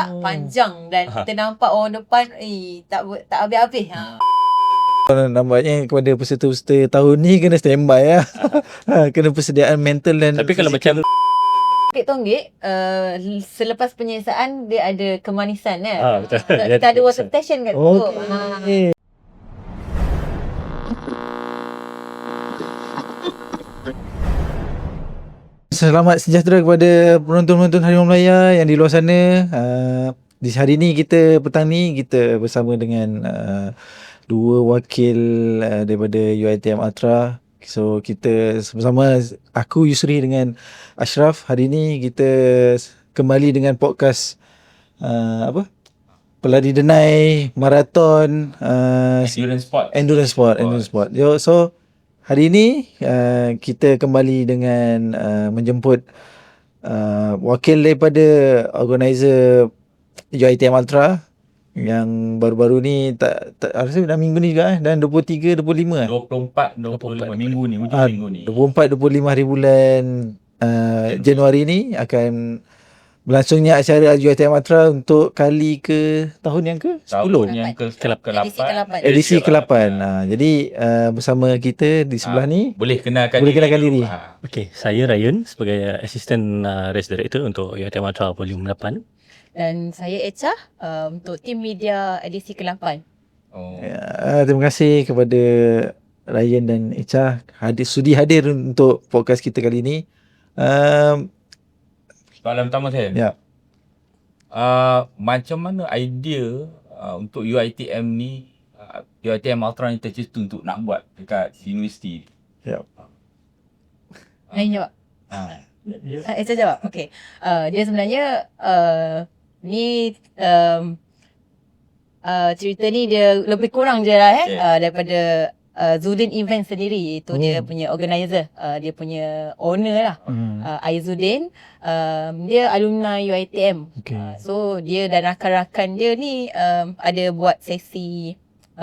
panjang dan kita nampak orang depan tak habis-habis. Nampaknya kepada peserta-peserta tahun ni kena standby lah. Kena persediaan mental dan tapi kalau macam Tonggik, selepas penyiasaan dia ada kemanisan kan. betul. Kita ada water station kat situ. Okey. Selamat sejahtera kepada penonton-penonton Harimau Melaya yang di luar sana. Di hari ni petang ni kita bersama dengan dua wakil daripada UiTM Ultra. So kita bersama aku Yusri dengan Ashraf. Hari ni kita kembali dengan podcast pelari denai, maraton, endurance sport. So hari ni kita kembali dengan menjemput wakil daripada organizer UiTM Ultra yang baru-baru ni tak rasa dah minggu ni juga dan 23 25 24 minggu ni, hujung minggu ni. 24 25 hari bulan Januari ni akan berlangsungnya acara UiTM Ultra untuk kali ke tahun yang ke 10. Yang ke-8. Edisi ke-8. Jadi bersama kita di sebelah ni Boleh kenalkan diri. Okey, saya Ryan sebagai Assistant Race Director untuk UiTM Ultra Volume 8. Dan saya Echa untuk tim media edisi ke-8. Terima kasih kepada Ryan dan Echa sudi hadir untuk podcast kita kali ini. Soalan pertama saya. Ya. Macam mana idea untuk UiTM ni, UiTM Ultra ni tercetus untuk nak buat dekat universiti? Ya. Ryan jawab. Echa jawab. Okey. Dia sebenarnya ni cerita ni dia lebih kurang je lah daripada Zudin Event sendiri. Itu dia punya organizer, dia punya owner lah. Aizuddin, dia alumni UiTM. So dia dan rakan-rakan dia ni ada buat sesi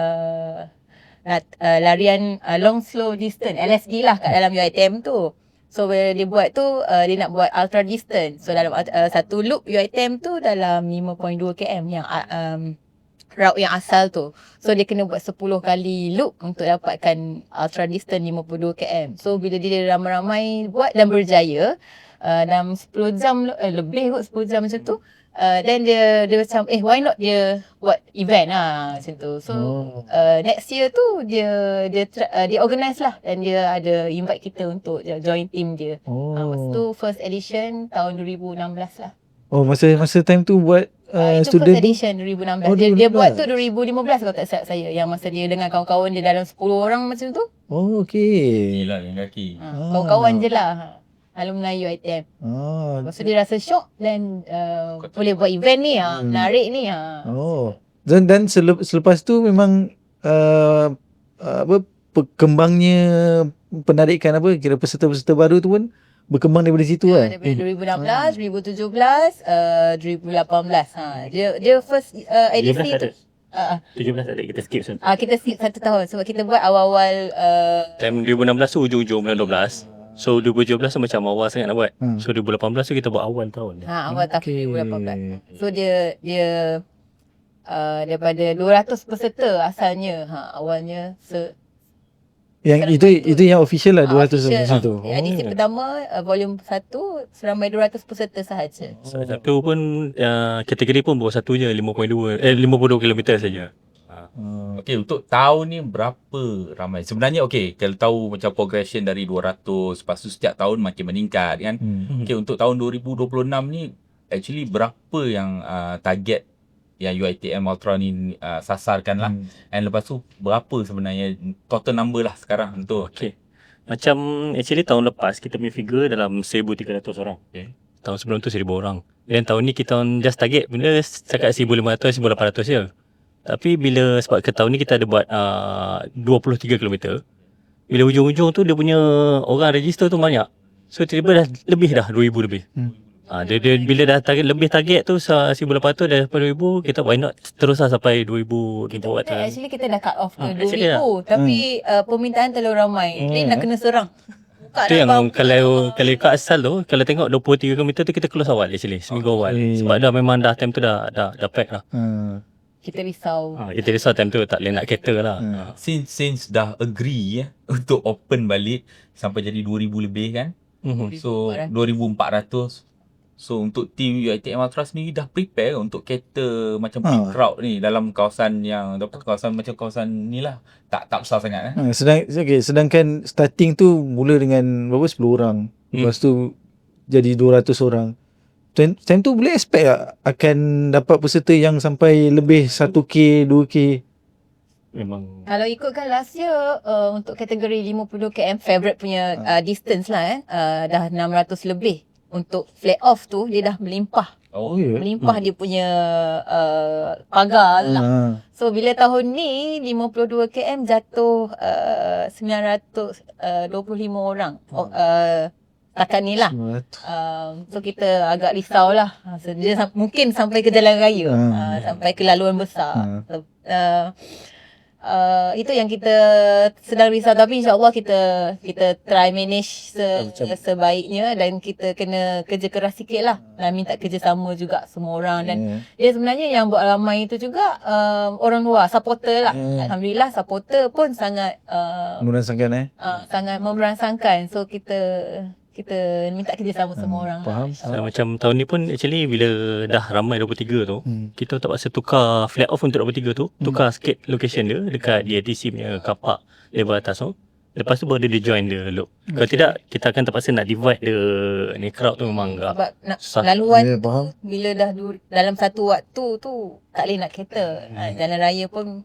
larian long slow distance, LSD lah kat dalam UiTM tu. So bila dia buat tu, dia nak buat ultra distance. So dalam satu loop UiTM tu dalam 5.2 km yang route yang asal tu. So dia kena buat 10 kali loop untuk dapatkan ultra distance 52 km. So bila dia ramai-ramai buat dan berjaya, dalam 10 jam lebih kot 10 jam macam tu. Then dia macam why not dia buat event lah macam tu. So next year tu dia organize lah dan dia ada invite kita untuk join team dia. Masa tu first edition tahun 2016 lah. Masa time tu buat itu student first edition 2016. Dia buat tu 2015 kalau tak silap saya. Yang masa dia dengan kawan-kawan dia dalam 10 orang macam tu. Okey. Gila yang kaki. Kawan-kawan je lah. Alumni UiTM. Lepas tu dia rasa shock dan boleh buat event ni menarik ni. Dan selepas tu memang berkembangnya penarikan kira peserta-peserta baru tu pun berkembang daripada situ lah. Daripada 2016, 2017, 2018. Dia first edisi tu. 17 ada kita skip sen. Kita skip 1 tahun sebab kita buat awal-awal Time 2016 tu hujung-hujung bulan 12. So 2017 tu macam awal sangat nak buat. So 2018 tu kita buat awal tahun. Awal tahun 2018. So dia daripada 200 peserta asalnya. Awalnya yang itu yang official lah 200 macam tu. Edisi pertama volume 1 seramai 200 peserta sahaja. Satu pun kategori pun bawa satu je 52 km saja. Okey, untuk tahun ni berapa ramai? Sebenarnya kalau tahu macam progression dari 200, lepas tu setiap tahun makin meningkat kan. Okey, untuk tahun 2026 ni actually berapa yang target yang UiTM Ultra ni sasarkan lah. And lepas tu berapa sebenarnya total number lah sekarang untuk Macam actually tahun lepas kita punya figure dalam 1,300 orang. Tahun sebelum tu 1,000 orang. Dan tahun ni kita just target benda cakap 1,500, 1,800 je. Tapi sebab ke tahun ni kita ada buat 23 km. Bila hujung-hujung tu dia punya orang register tu banyak. So tiba-tiba dah lebih dah 2,000 lebih. Dia bila dah target tu 1,800 daripada 2,000, kita why not teruslah sampai 2,000 kita buat. Actually kita dah cut off ke 2,000 tapi permintaan terlalu ramai. Jadi nak kena serang. Sukar Tu nak yang bangun. kalau ikut asal tu, kalau tengok 23 km tu kita close awal actually, seminggu awal. Sebab dah memang dah time tu dah pack lah. Kita risau. Kita risau time tu tak boleh nak kereta lah. Since dah agree untuk open balik sampai jadi 2000 lebih kan. So 2400. So untuk team UiTM Ultra sendiri dah prepare untuk cater macam peak crowd ni dalam kawasan yang kawasan macam kawasan ni lah. Tak besar sangat Sedangkan starting tu mula dengan berapa 10 orang. Lepas tu jadi 200 orang. Time tu boleh expect tak akan dapat peserta yang sampai lebih 1k, 2k? Memang Kalau ikutkan last year untuk kategori 52 km favorite punya distance lah dah 600 lebih. Untuk flat off tu dia dah melimpah. Melimpah dia punya pagar lah. So bila tahun ni 52 km jatuh 925 orang. Setakat ni lah. So kita agak risau lah. So, dia mungkin sampai ke jalan raya. Sampai ke laluan besar. So, itu yang kita sedang risau, tapi insyaAllah kita try manage sebaiknya, dan kita kena kerja keras sikit lah dan minta kerjasama juga semua orang. Dan dia sebenarnya yang buat ramai itu juga orang luar, supporter lah. Alhamdulillah supporter pun sangat Merasakan sangat memerangsangkan. So kita minta kerjasama semua orang. Faham. macam tahun ni pun actually bila dah ramai 23 tu, kita terpaksa tukar flat off untuk 23 tu, tukar sikit location dia dekat DATC punya car park level atas tu. Lepas tu baru dia join dia loop. Kalau tidak, kita akan terpaksa nak divide ni crowd tu memang agak Sebab nak susah. laluan faham. bila dah dalam satu waktu tu tak boleh nak kereta. Jalan raya pun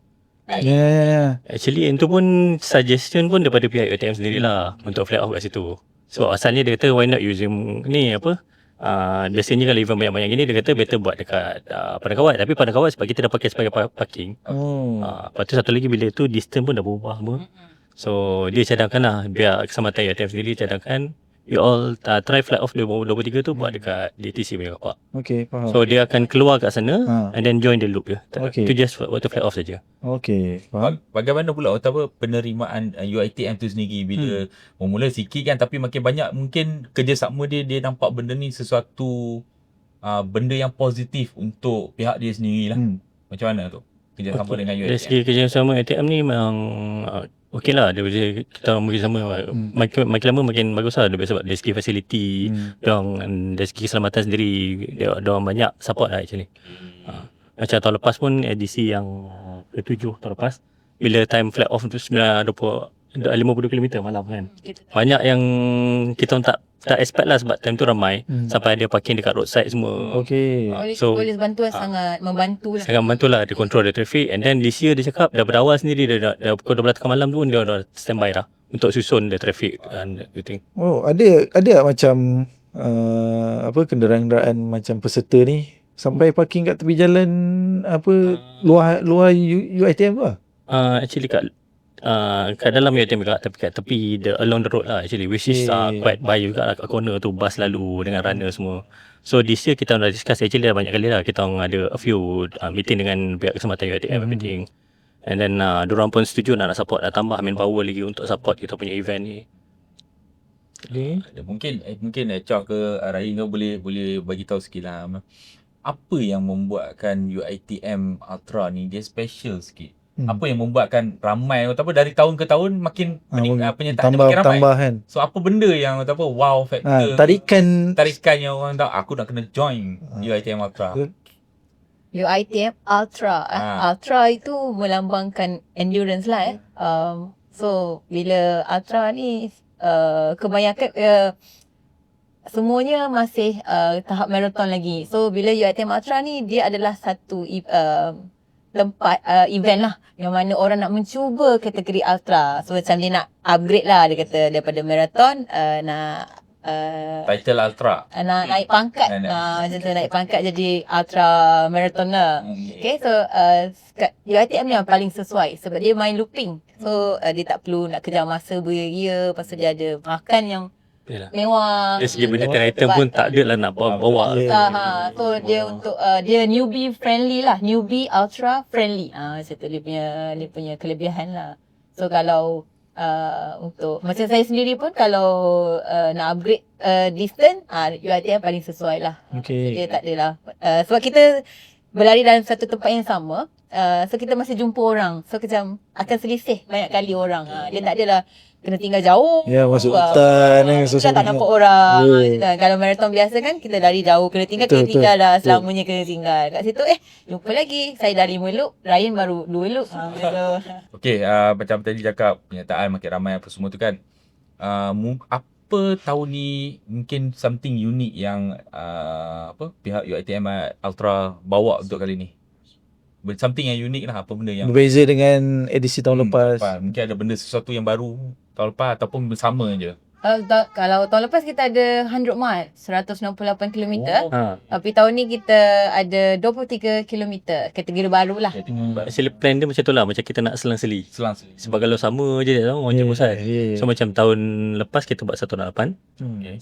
Actually itu pun suggestion pun daripada pihak UiTM sendirilah untuk flat off kat situ. So asalnya dia kata why not using ni biasanya kalau event banyak-banyak gini dia kata better buat dekat Padang Kawat. Tapi Padang Kawat sebab kita dah pakai sebagai parking. Lepas tu satu lagi bila tu distance pun dah berubah semua. So dia cadangkan lah, biar keselamatan UiTM sendiri cadangkan you all try flat off 23 tu buat dekat DTC punya car park. Okay, faham. So dia akan keluar kat sana and then join the loop je. Okay. Itu just waktu flat off saja. Okay, faham. Bagaimana pula penerimaan UiTM tu sendiri bila memula sikit kan, tapi makin banyak mungkin kerjasama dia nampak benda ni sesuatu benda yang positif untuk pihak dia sendiri lah. Macam mana tu kerjasama dengan Dari UiTM? segi kerjasama UiTM ni memang okey lah. Kita orang bekerjasama makin lama makin bagus lah. Sebab dari segi facility, dari segi keselamatan sendiri, dia orang banyak support lah actually. Macam tahun lepas pun edisi yang ke-7 tahun lepas, bila time flat off tu 50 km malam kan. Banyak yang kita tak expect lah sebab time tu ramai. Sampai ada parking dekat roadside semua. Okay. Polis bantuan sangat membantu lah. Sangat membantu lah. Dia control the traffic. And then this year dia cakap daripada awal sendiri dah pukul 12 tengah malam tu dia dah standby dah untuk susun the traffic and everything. Oh, ada macam kenderaan-kenderaan macam peserta ni sampai parking kat tepi jalan luar UiTM tu lah. Actually kat dalam UiTM juga, tapi kat tepi along the road lah actually, which is quite bahaya juga lah. Kat corner tu bus lalu dengan runner semua. So this year kita dah discuss actually dah banyak kali lah. Kita orang ada a few meeting dengan pihak keselamatan UiTM everything. And then diorang pun setuju nak support, nak tambah manpower lagi untuk support kita punya event ni. Mungkin Chow ke Rahim kau boleh bagi tahu sikit lah, apa yang membuatkan UiTM Ultra ni dia special sikit? Apa yang membuatkan ramai dari tahun ke tahun makin penyertaan makin ramai? Tambah kan. So apa benda yang wow factor, tarikan yang orang tahu aku nak kena join UiTM Ultra? UiTM Ultra. Ultra itu melambangkan endurance lah. So bila Ultra ni kebanyakan semuanya masih tahap marathon lagi. So bila UiTM Ultra ni dia adalah satu tempat event lah yang mana orang nak mencuba kategori ultra. So macam dia nak upgrade lah, dia kata daripada marathon nak title ultra, nak naik pangkat, macam tu, naik pangkat jadi ultra marathon lah. Okay, so UiTM ni yang paling sesuai sebab dia main looping. So dia tak perlu nak kejar masa beria, lepas tu dia ada makan yang mewah. Dari segi benda item pun tak ada lah nak bawa. So dia untuk dia newbie friendly lah, newbie ultra friendly. Macam tu dia punya kelebihan lah. So kalau Untuk macam saya sendiri pun kalau nak upgrade distance, UiTM paling sesuai lah. Okay. Dia tak adalah sebab kita berlari dalam satu tempat yang sama, so kita masih jumpa orang, so macam akan selisih banyak kali orang. Dia tak adalah kena tinggal jauh. Ya, masuk hutan Kita tak nampak orang. Yeah. Kalau marathon biasa kan kita lari jauh, kena tinggal, Betul, kena tinggal betul, lah. betul. Selamanya kena tinggal. Kat situ jumpa lagi. Saya dah 5 loop, Ryan baru 2 loop. Okay, macam tadi cakap penyertaan makin ramai apa semua tu kan. Apa tahun ni mungkin something unique yang pihak UiTM Ultra bawa untuk kali ni? Something yang unik lah, apa benda yang Berbeza dengan edisi tahun lepas. mungkin ada benda sesuatu yang baru tahun lepas ataupun bersama je. Kalau tahun lepas kita ada 100 mile, 168 km. Tapi tahun ni kita ada 23 km, kategori baru lah. Actually plan dia macam tu lah, macam kita nak selang-seli. Selang-seli. Sebab kalau sama je dia tahu orang je bosan. So macam tahun lepas kita buat 168. Okay.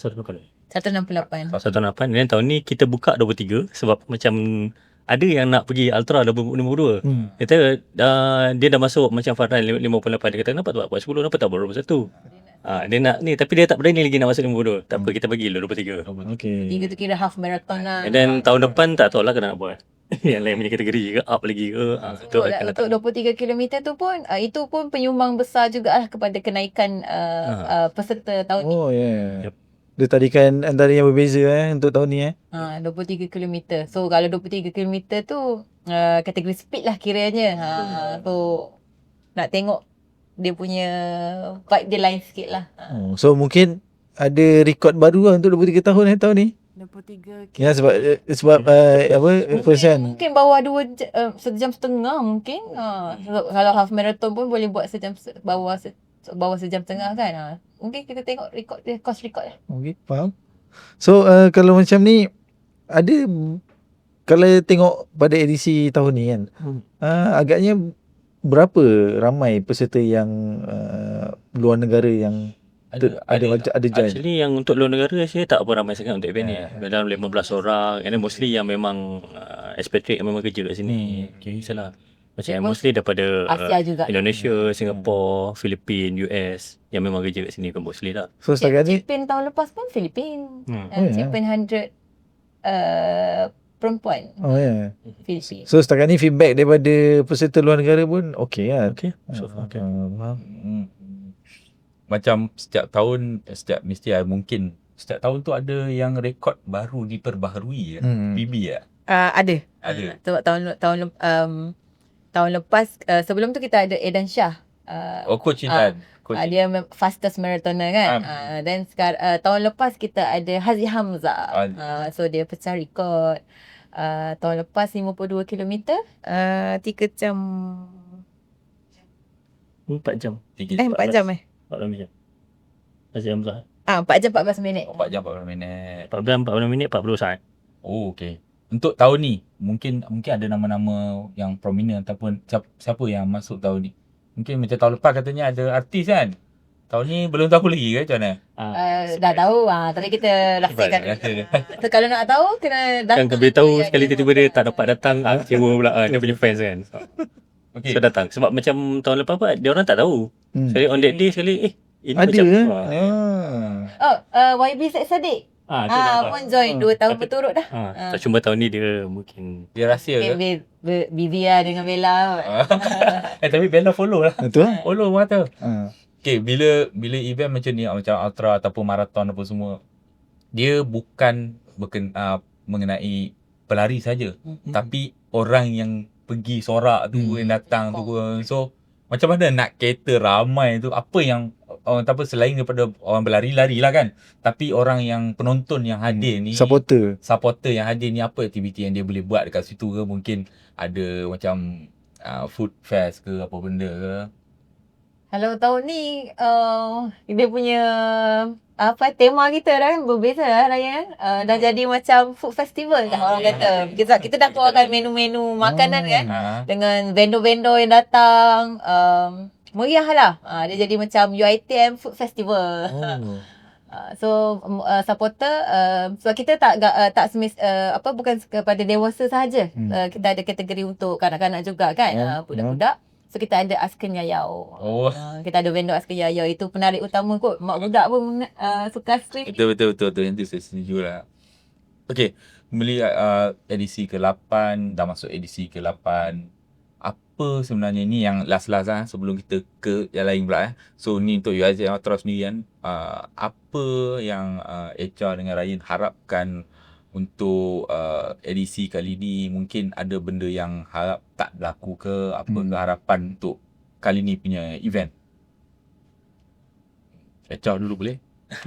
168. 168 dan tahun ni kita buka 23 sebab macam ada yang nak pergi Ultra 52. Dia kata dia dah masuk macam Farhan 58. Dia kata kenapa tak buat 10, kenapa tak buat 21. Dia nak ni tapi dia tak berani lagi nak masuk 52. Tak apa, kita bagi dulu 23. Okay. 3 tu kira half marathon lah. And then tahun depan tak tahu lah kena nak buat. Yang lain punya kategori ke up lagi ke. Untuk 23 km tu pun itu pun penyumbang besar jugalah kepada kenaikan peserta tahun ni. Oh yeah. Dia tadikan antara yang berbeza untuk tahun ni 23 km. So kalau 23 km tu kategori speed lah kiranya. So nak tengok dia punya vibe dia lain sikit lah. So mungkin ada rekod baru lah untuk 23 tahun tahun ni. 23 km. Ya sebab first kan. Mungkin bawah 2 sejam setengah mungkin. Kalau half marathon pun boleh buat bawah sejam setengah kan. Mungkin kita tengok rekod dia, course record lah. Okay, faham. So kalau macam ni ada, kalau tengok pada edisi tahun ni kan, agaknya berapa ramai peserta yang luar negara yang ada judge? Actually yang untuk luar negara saya tak apa ramai sangat untuk event ni. Dalam 15 orang, and then mostly yang memang expatriate yang memang kerja kat sini. Okay, salah. Macam mostly daripada Asia juga. Indonesia, Singapore, Filipin, US yang memang kerja kat sini kan mostly lah. So setakat ni Champion tahun lepas pun Filipin. Champion 100 perempuan Filipin. So setakat ni feedback daripada peserta luar negara pun okey lah. Okay, so far okay. Macam setiap tahun mesti mungkin setiap tahun tu ada yang rekod baru diperbaharui PB ya. Ada. Sebab tahun lepas sebelum tu kita ada Edan Shah. Coach Intan. Dia fastest marathoner kan. Dan sekarang tahun lepas kita ada Hazi Hamzah. So dia pecah rekod. Tahun lepas 52 km 3 jam 4 jam. 4 jam 14 jam. Aziz Hamzah. 4 jam 14 minit. 4 jam 40 minit. 14 minit 40 saat. Oh okey. Untuk tahun ni mungkin ada nama-nama yang prominent ataupun siapa yang masuk tahun ni. Mungkin macam tahun lepas katanya ada artis kan. Tahun ni belum tahu lagi ke macam mana? Dah tahu tapi kita rahsiakan. So, kalau nak tahu kena datang. Kan beritahu sekali tiba-tiba dia tak dapat datang, kecewa pula dia punya fans kan. Okay. So datang. Sebab macam tahun lepas apa dia orang tak tahu. Sekali on that day sekali ini ada macam YB Syed Saddiq. Pun join 2 tahun berturut dah. Tak cuma tahun ni dia mungkin Dia rahsia ke? Busy lah dengan Bella. Tapi Bella follow lah. Betul lah. Follow mata. Okay, bila event macam ni, macam ultra ataupun marathon apa semua, dia bukan mengenai pelari saja, tapi orang yang pergi sorak tu, yang datang tu. So macam mana nak cater ramai tu? Apa yang orang selain daripada orang berlari-lari lah kan, tapi orang yang penonton yang hadir ni, supporter yang hadir ni, apa aktiviti yang dia boleh buat dekat situ ke? Mungkin ada macam food fest ke apa benda ke? Kalau tahun ni dia punya tema kita dah kan berbeza lah Ryan. Dah jadi macam food festival dah orang kata. Kita dah keluarkan menu-menu makanan kan, dengan vendor-vendor yang datang. Meriah lah. Dia jadi macam UiTM Food Festival. So supporter sebab kita tak bukan kepada dewasa sahaja. Kita ada kategori untuk kanak-kanak juga kan, budak-budak. So kita ada Asken Yayau. Oh. Kita ada vendor Asken Yayau. Itu penarik utama kot. Mak budak pun suka stream. Betul. Yang tu saya setuju lah. Okay, beli edisi ke-8, dah masuk edisi ke-8. Apa sebenarnya ni yang last-last sebelum kita ke yang lain pula. So ni untuk UiTM Ultra sendiri kan. Apa yang HR dengan Ryan harapkan untuk edisi kali ni? Mungkin ada benda yang harap tak berlaku ke? Apa keharapan untuk kali ni punya event? HR dulu boleh?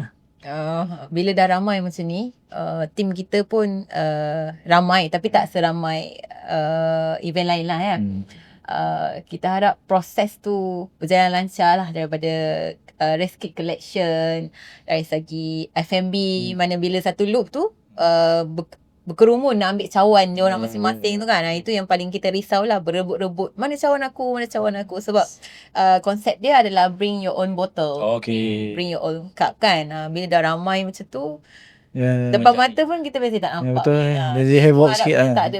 Bila dah ramai macam ni, tim kita pun ramai tapi tak seramai event lain lah ya. Kita harap proses tu berjalan lancar lah, daripada race kit collection, dari segi F&B, mana bila satu loop tu berkerumun nak ambil cawan dia orang masing-masing tu kan. Itu yang paling kita risau lah, berebut-rebut mana cawan aku, sebab konsep dia adalah bring your own bottle, bring your own cup kan. Bila dah ramai macam tu, depan mata pun kita biasa tak nampak. Betul. Jadi havoc sikit lah. Tak ada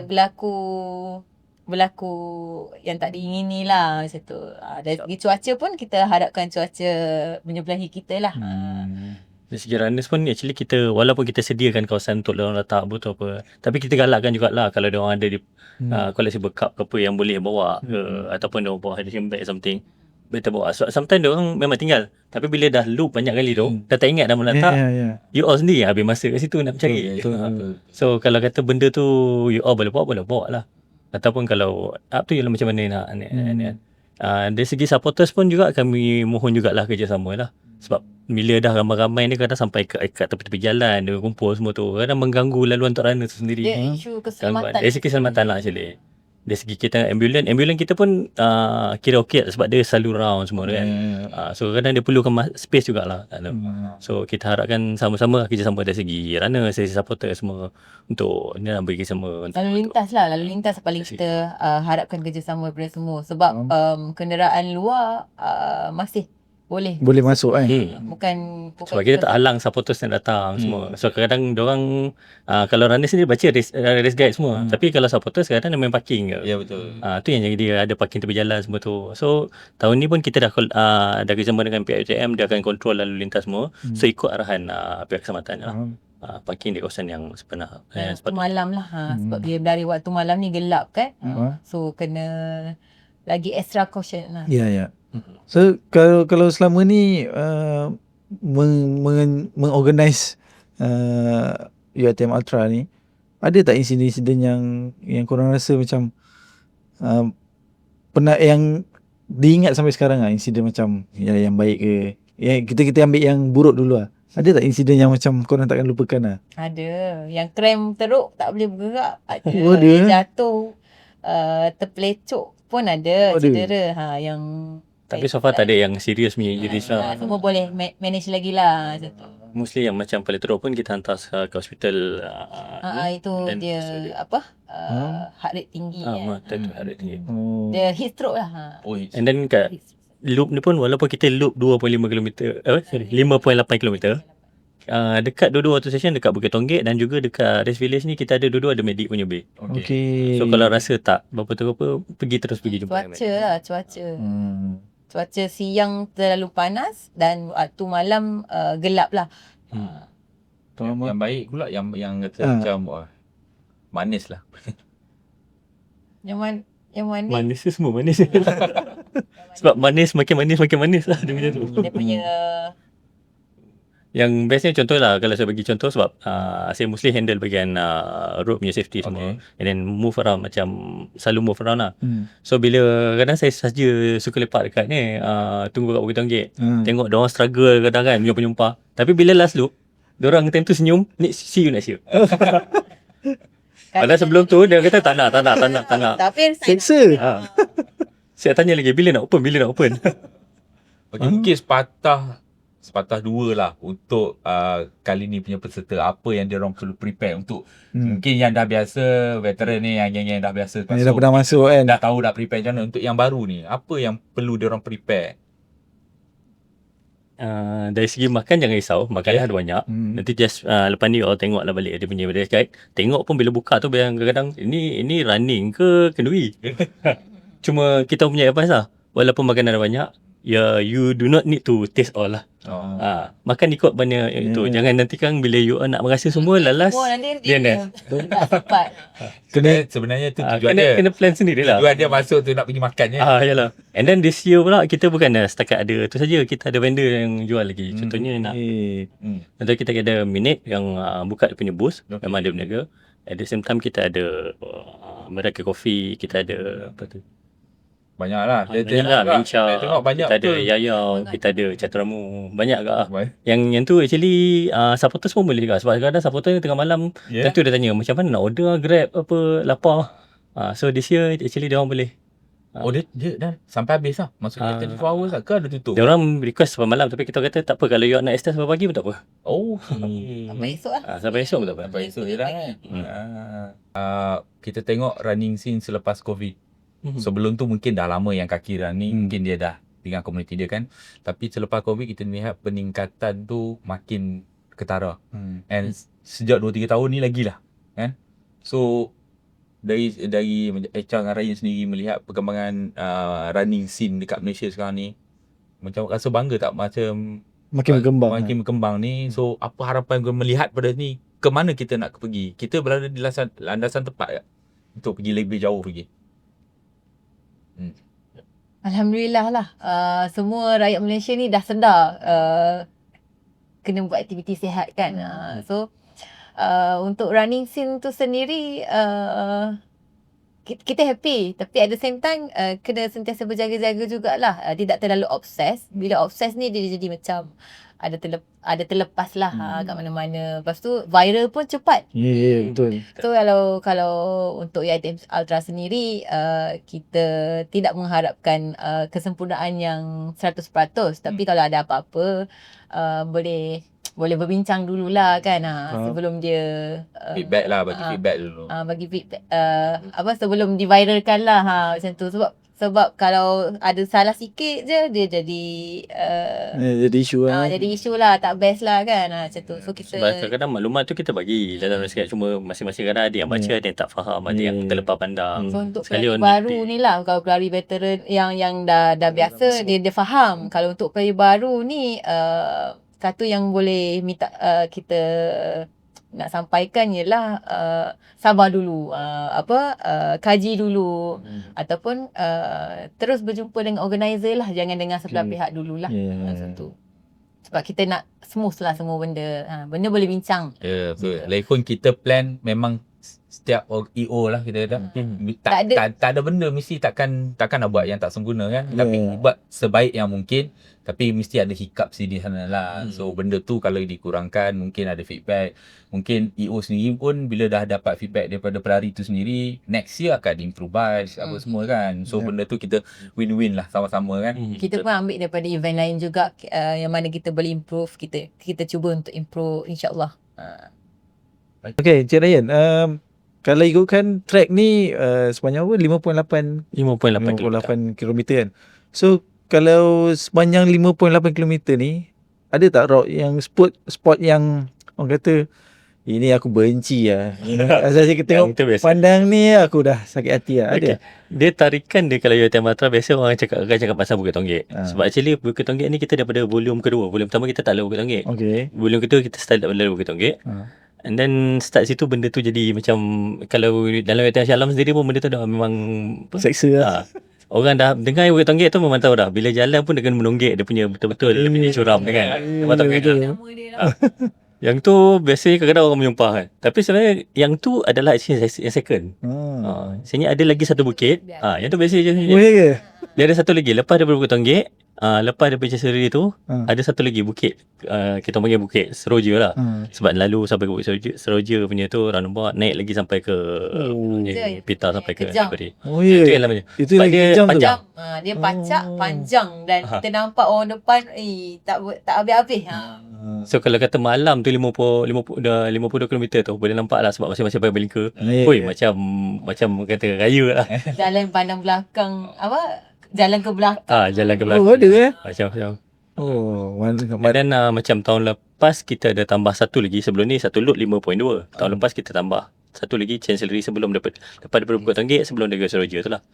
berlaku yang tak diingini lah macam tu. Dari segi cuaca pun kita harapkan cuaca menyebelahi kita lah. Dari segi runners pun actually kita, walaupun kita sediakan kawasan untuk diorang letak botol apa, tapi kita galakkan jugalah kalau diorang ada di collectible cup ke apa yang boleh bawa ke, ataupun diorang bawa hydration bag something, better bawa. So, sometimes diorang memang tinggal, tapi bila dah loop banyak kali tu, dah tak ingat dah mau letak, you all sendiri habis masa kat situ nak mencari. So kalau kata benda tu you all boleh bawa lah. Ataupun kalau up tu ialah macam mana nak dari segi supporters pun juga kami mohon jugalah kerjasama lah. Sebab bila dah ramai-ramai ni kadang sampai kat tepi-tepi jalan, dia kumpul semua tu, kadang mengganggu laluan untuk runner tu sendiri. Dia isu keselamatan. Dari segi keselamatan lah actually. Dari segi kita ambulans kita pun kira okey sebab dia selalu round semua kan. So kadang dia perlukan space jugalah. So kita harapkan sama-sama kerjasama dari segi runner, dari segi supporter semua untuk ni lah bagi sama. Lalu lintas paling kita harapkan kerjasama daripada semua. Sebab kenderaan luar masih boleh masuk kan. bukan Sebab kita tak halang supporters yang datang semua. So kadang diorang kalau runner sendiri baca race guide semua. Tapi kalau supporters kadang dia main parking ke. Ya betul. Tu yang jadi dia ada parking tepi jalan semua tu. So tahun ni pun kita dah kerjasama dengan pihak UiTM, dia akan kontrol lalu lintas semua. So ikut arahan pihak keselamatan lah. Parking di kawasan yang sebenar. waktu malam lah. Sebab bila dari waktu malam ni gelap kan. So kena lagi extra caution lah. Ya. So kalau selama ni mengorganize UiTM Ultra ni, ada tak insiden-insiden yang korang rasa macam pernah yang diingat sampai sekarang lah, insiden macam yang baik ke? Kita ambil yang buruk dulu lah. Ada tak insiden yang macam korang takkan lupakan lah? Ada. Yang krem teruk tak boleh bergerak. Ada. Ada. Jatuh terpelecok pun ada. Cedera. Yang Tapi so far tak ada yang serius punya injuries lah. semua boleh manage lagi lah macam tu. Mostly yang macam paling teruk pun kita hantar ke hospital. Itu dia heart rate tinggi. Heart rate tinggi. Dia heat stroke lah. And then kat loop ni pun walaupun kita loop 2.5 km 5.8 km, dekat dua-dua auto station, dekat Bukit Tonggek dan juga dekat Race Village ni kita ada dua-dua ada medik punya bay. Okay. So kalau rasa tak berapa tu apa, pergi jumpa Cuaca lah, cuaca siang terlalu panas dan waktu malam gelap lah. Yang baik pula yang kata macam manis lah. Yang mana? Manis tu semua manis. Sebab manis makin manis lah dia punya tu. Dia punya Yang bestnya contoh lah, kalau saya bagi contoh sebab saya mostly handle bahagian road punya safety semua, and then move around, macam selalu move around lah. So bila kadang saya saja suka lepak dekat ni, tunggu kat Bukit Tonggek, tengok diorang struggle kadang kan, penyumpah. Tapi bila last loop, diorang time tu senyum, see you next year. Padahal sebelum tu dia kata tak nak. Tapi seksa. Saya tanya lagi, bila nak open? Okay, mungkin sepatah dua lah untuk kali ni punya peserta. Apa yang dia orang perlu prepare untuk mungkin yang dah biasa, veteran ni, yang dah biasa Yang dah pernah masuk kan, dah tahu dah prepare macam mana. Untuk yang baru ni, apa yang perlu dia orang prepare? Dari segi makan jangan risau, makan dah ada banyak. Nanti just lepas ni orang tengoklah balik dia punya race guide. Tengok pun bila buka tu kadang-kadang ini running ke kenduri. Cuma kita punya advice lah, walaupun makanan ada banyak, you do not need to taste all lah. Makan ikut banyak itu. Jangan nanti kan bila you nak merasa semua lalas, nanti dia dia tak sempat. Sebenarnya tu tujuan dia. kena plan sendiri lah. Tujuan dia masuk tu nak pergi makan je. Yalah. And then this year pula kita bukan setakat ada tu saja, kita ada vendor yang jual lagi. Contohnya nak contoh kita ada Minute yang buka dia punya booth, memang dia berniaga. At the same time kita ada Mereka Coffee, kita ada apa tu? Banyak lah. Banyak lah, Mincha, Tengok banyak kita ada betul. Yayau, kita ada Cateramu, banyak agak lah. Yang tu actually supporters pun boleh juga. Sebab kadang-kadang supporter tengah malam, tentu dia tanya macam mana nak order Grab apa, lapar. So this year actually dia orang boleh. Dia dah sampai habis lah. Maksudnya 24 hours lah ke ada tutup? Dia orang request sampai malam, tapi kita kata tak apa, kalau you nak extend sampai pagi pun tak apa. Sampai esok lah. Sampai esok pun tak apa. Sampai esok je lah kan. Kita tengok running scene selepas COVID. Sebelum tu mungkin dah lama yang kaki running, mungkin dia dah dengan komuniti dia kan. Tapi selepas COVID kita lihat peningkatan tu makin ketara. And sejak 2-3 tahun ni lagilah kan. So dari Echa dengan Ryan sendiri melihat perkembangan running scene dekat Malaysia sekarang ni, macam rasa bangga tak macam makin berkembang ni. So apa harapan kau melihat pada ni, ke mana kita nak pergi? Kita berada di landasan tepat tak untuk pergi lebih jauh lagi? Alhamdulillah lah. Semua rakyat Malaysia ni dah sedar kena buat aktiviti sihat kan. So untuk running scene tu sendiri kita happy, tapi at the same time kena sentiasa berjaga-jaga jugalah, tidak terlalu obses. Bila obses ni dia jadi macam ada terlepas lah kat mana-mana. Lepas tu viral pun cepat. Betul. So kalau untuk UiTM Ultra sendiri, kita tidak mengharapkan kesempurnaan yang 100%, tapi kalau ada apa-apa boleh berbincang dululah kan, sebelum dia feedback lah, bagi feedback dulu. Bagi feedback sebelum diviralkan lah, macam tu. Sebab kalau ada salah sikit je dia jadi jadi isu lah. jadi isu lah, tak best lah kan, macam tu. So kita sebab kadang-kadang maklumat tu kita bagi dalam sikit, cuma masing-masing kadang ada yang baca, ada yang tak faham, ada yang terlepas pandang. So untuk Sekali pelari on baru ni lah, kalau pelari veteran yang dah biasa, dia faham. Kalau untuk pelari baru ni, satu yang boleh minta kita nak sampaikan ialah sabar dulu, kaji dulu, ataupun terus berjumpa dengan organizer lah, jangan dengan sebelah pihak dululah. Macam tu. Sebab kita nak smooth lah semua benda. Benda boleh bincang. Betul. Lagipun kita plan memang setiap EO lah kita kata. Tak ada benda mesti takkan nak buat yang tak sempurna kan. Tapi buat sebaik yang mungkin. Tapi mesti ada hiccup di sana lah. So benda tu kalau dikurangkan, mungkin ada feedback. Mungkin EO sendiri pun bila dah dapat feedback daripada pelari tu sendiri, next year akan improvise apa semua kan. So benda tu kita win-win lah sama-sama kan. Kita pun ambil daripada event lain juga, yang mana kita boleh improve. Kita cuba untuk improve, insyaAllah. Okay, Encik Ryan, kalau ikutkan track ni sepanjang apa? 5.8 km kan. So kalau sepanjang 5.8 km ni, ada tak route yang spot yang orang kata ini aku benci lah. Asal saya tengok pandang ni aku dah sakit hati lah. Ada. Dia tarikan dia kalau UiTM Ultra biasa orang akan cakap pasal Bukit Tonggek. Sebab actually Bukit Tonggek ni kita daripada volume kedua. Volume pertama kita tak lalu Bukit Tonggek. Volume kedua kita start lalu Bukit Tonggek. And then start situ benda tu jadi macam, kalau dalam UiTM Shah Alam sendiri pun benda tu dah memang seksa lah. Orang dah dengar Bukit Tonggek tu memang tahu dah. Bila jalan pun dia kena menonggek dia punya betul-betul dia punya curam kan. Memang tahu kan. Yang tu biasanya kadang-kadang orang menyumpah kan. Tapi sebenarnya yang tu adalah yang second. Sebenarnya ada lagi satu bukit. Yang tu biasa je. Dia ada satu lagi lepas daripada Bukit Tonggek. Lepas daripada Cesari tu ada satu lagi bukit, kita panggil Bukit Seroja lah. Sebab lalu sampai ke Bukit Seroja punya tu roundabout, naik lagi sampai ke Pita sampai ke Beri. Itu yang namanya. Itu lagi dia panjang. Dia pacak, panjang, dan kita nampak orang depan tak habis-habis. So kalau kata malam tu 52 km tu boleh nampak lah, sebab masing-masing pakai belingka. Macam kata raya lah. Jalan pandang belakang, jalan ke belakang. Jalan ke belakang. Ada Macam. Dan Macam tahun lepas kita ada tambah satu lagi. Sebelum ni satu load 5.2. Tahun lepas kita tambah satu lagi Chancellery sebelum daripada Bukit Tonggek, sebelum dia ke Seroja tu lah.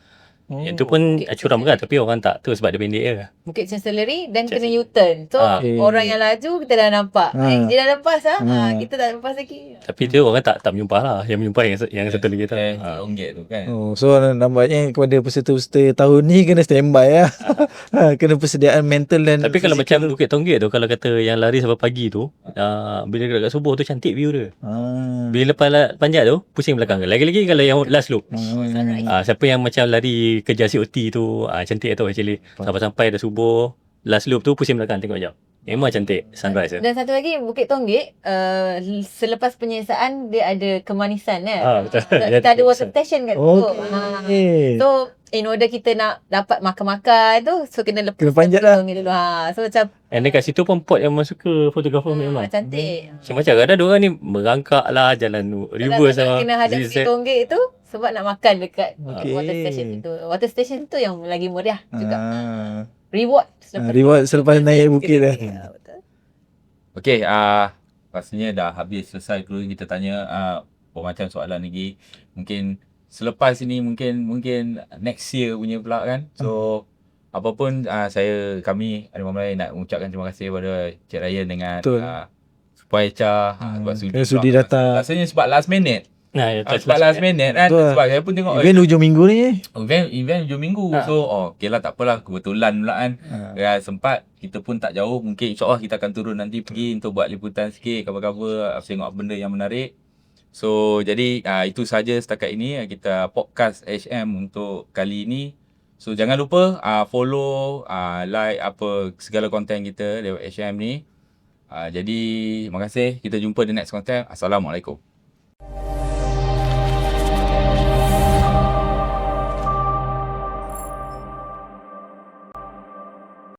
Yang tu pun curam kan, tapi orang tak tu sebab dia pendek je. Bukit Chancellery dan Chancellery. kena U-turn. So Okay. orang yang laju kita dah nampak. Dia dah lepas kita tak lepas lagi. Tapi tu orang tak menyumpah lah. Yang menyumpah yang satu lagi tu. RM1 tu kan. So nampaknya kepada peserta-peserta tahun ni kena standby lah. Kena persediaan mental dan Tapi kalau fizikal. macam Bukit Tonggek tu, kalau kata yang lari sampai pagi tu, bila dekat subuh tu cantik view dia. Bila lepas panjat tu, pusing belakang. Lagi-lagi kalau yang last loop. Siapa yang macam lari kejar COT tu, cantik tu actually. Sampai-sampai dah subuh, last loop tu pusing belakang tengok jap. Memang cantik sunrise tu. Dan satu lagi Bukit Tonggek selepas penyiasaan dia ada kemanisan kan. Betul. Kita ada water station kat situ. So in order kita nak dapat makan-makan tu, so kena lepas Kena panjat lah. Tonggek dulu. So macam And dekat situ pun pot yang memang suka fotografer memang. cantik. Macam kadang diorang ni merangkak lah, jalan reverse Kalau lah. kena hadap Bukit Tonggek tu sebab nak makan dekat Okey. water station itu. Water station tu yang lagi meriah juga. Reward Reward selepas naik bukit dah. Betul. Okey, rasanya dah habis selesai dulu kita tanya bermacam soalan lagi. Mungkin selepas ini mungkin next year punya pula kan. So apapun kami Harimau Melayu nak mengucapkan terima kasih kepada Cik Ryan dengan Betul. Supaya Cha sebab sudi datang. Rasanya sebab last minute. Sebab last minute kan. Betul. Sebab saya pun tengok Event hujung minggu ni. event hujung minggu. So okey lah, tak apalah, kebetulan pula kan. Sempat kita pun tak jauh, mungkin insyaAllah kita akan turun nanti pergi untuk buat liputan sikit, cover-cover, tengok benda yang menarik. So jadi itu saja setakat ini kita podcast HM untuk kali ini. So jangan lupa follow, like segala konten kita lewat HM ni. Jadi terima kasih, kita jumpa di next content. Assalamualaikum.